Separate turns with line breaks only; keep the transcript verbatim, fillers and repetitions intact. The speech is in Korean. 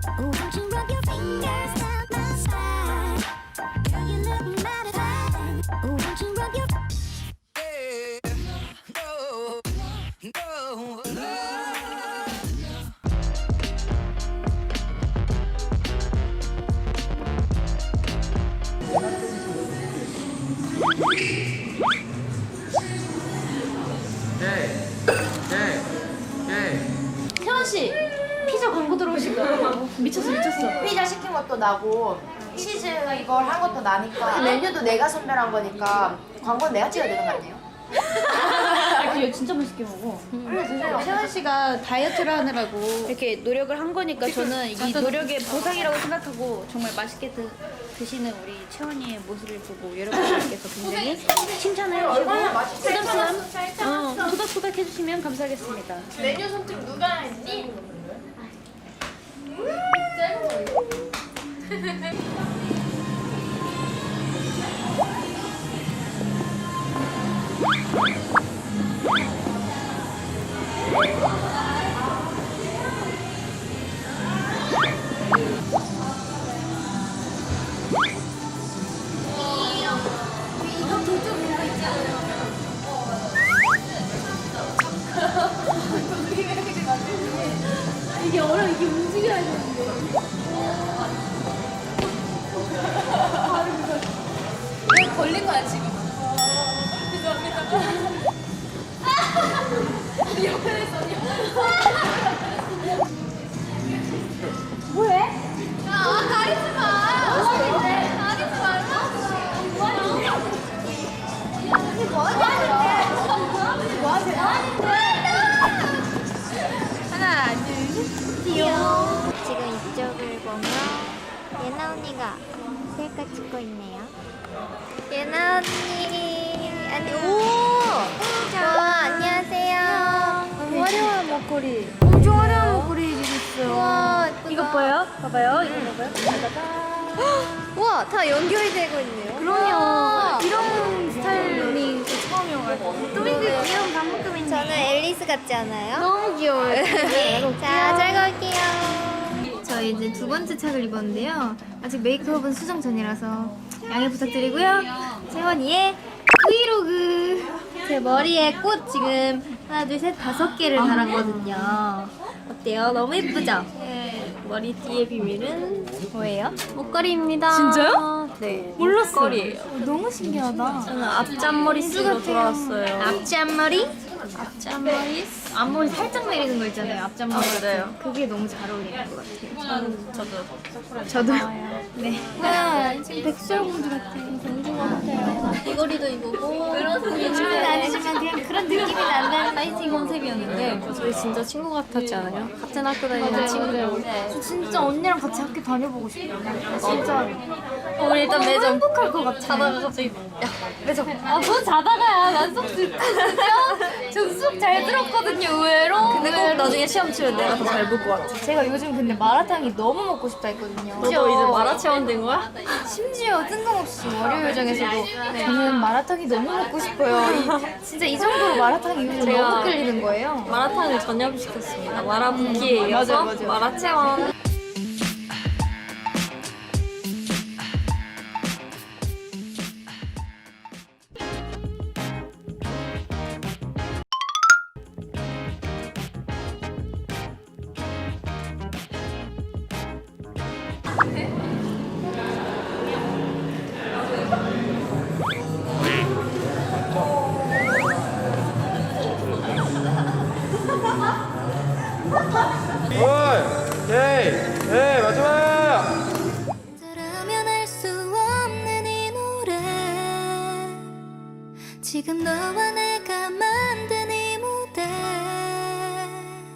Won't you rub your fingers down my spine? Girl, you look mighty fine. Won't you rub your
태원 씨 피자 광고 들어오신 거 미쳤어 미쳤어.
피자 시킨 것도 나고 치즈 이걸 한 것도 나니까 메뉴도 내가 선별한 거니까 광고는 내가 찍어야 되는 거 아니에요?
아, 이거 진짜 맛있게 먹어.
그래 드세요.
태원 씨가 다이어트를 하느라고 이렇게 노력을 한 거니까 저는 이 노력의 보상이라고 생각하고 정말 맛있게 드, 드시는 우리 채원이의 모습을 보고 여러분들께서 굉장히 칭찬을 해주시고 부담부담 어, 토닥토닥 해주시면 감사하겠습니다.
메뉴 선택 누가 했니?
이게 어려 이게 움직여야 되는데.
왜 걸린 거야 지금? 옆에 있어.
뭐해?
아 가리지 마. 뭐하는데? 가리지 말라고. 뭐하는데? 뭐하는데? 하나 둘
귀여워. 지금 이쪽을 보면 예나 언니가 셀카 찍고 있네요. 예나 언니, 아니 오, 와 안녕하세요.
화려한 목걸이.
엄청 화려한 목걸이 입으셨어요. 와,
이거 봐요? 봐봐요. 이거 봐봐요.
와, 다 연결이 되고 있네요.
그럼요. 이런 스타일링 처음이어가지고. 또 이게 귀여운 반묶음인데.
저는 앨리스 같지 않아요?
너무 귀여워요.
자, 잘 갈게요. 저 이제 두 번째 착을 입었는데요. 아직 메이크업은 수정 전이라서 양해 부탁드리고요. 채원이의 브이로그. 제 머리에 꽃 지금 하나, 둘, 셋, 다섯 개를 달았거든요. 어때요? 너무 예쁘죠? 머리띠의 비밀은 뭐예요? 목걸이입니다.
진짜요?
네.
몰랐어요.
목걸이에요.
너무 신기하다.
저는 앞잔머리 쓰고 돌아왔어요. 앞잔머리? 앞잔머리? 앞머리 살짝 내리는 거 있잖아요. 앞잔머리. 아, 맞아요. 그게 너무 잘 어울리는 것 같아요. 저도. 저도. 네. 와, 지금 백설공주 같아요. 공주 같아요. 귀걸이도 입고. 요즘은 아니지만 그냥 그런 느낌이 난다는 파이팅 컨셉이었는데.
저희 진짜 친구 같았지 않아요? 같은 학교 다니는 친구.
저 진짜 언니랑 같이 학교 다녀보고 싶어요. 진짜.
우리 일단
너무
매점
행복할 것 같아.
자다가 갑자기 야 매점.
아, 뭐 자다가야. 난 수업 듣거든요. 저 수업 잘 들었거든요, 의외로.
근데 꼭 나중에 시험 치면 내가 더 잘 볼 것 같아.
제가 요즘 근데 마라탕이 너무 먹고 싶다 했거든요.
너도 이제 마라 체원 된 거야?
심지어 뜬금없이 월요일장에서도 저는 마라탕이 너무 먹고 싶어요. 이- 진짜 이 정도로 마라탕이 요즘
제가
너무 끌리는 거예요.
마라탕을 전염시켰습니다. 마라 붓기에 이어서
맞아요, 맞아요.
마라 체원.
오케이, 네 마지막.
들으면 알 수 없는 이 노래 지금 너와 내가